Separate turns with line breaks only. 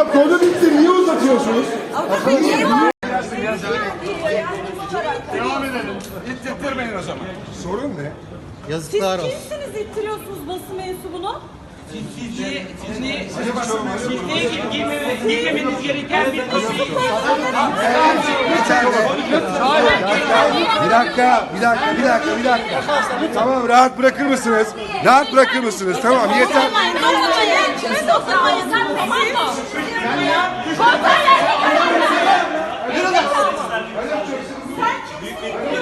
Ya konu bitti. Niye uzatıyorsunuz?
Devam edelim. İttirmeyin o zaman.
Sorun ne?
Yazıklar olsun.
Siz kimsiniz ittiriyorsunuz basın mensubunu?
Girmemeniz gereken bir kişi.
Bir dakika. Tamam, rahat bırakır mısınız? Rahat bırakır mısınız? Tamam, yeter.
Dokunmayın. Kime dokunmayın? Sen komando. Sen kimsin?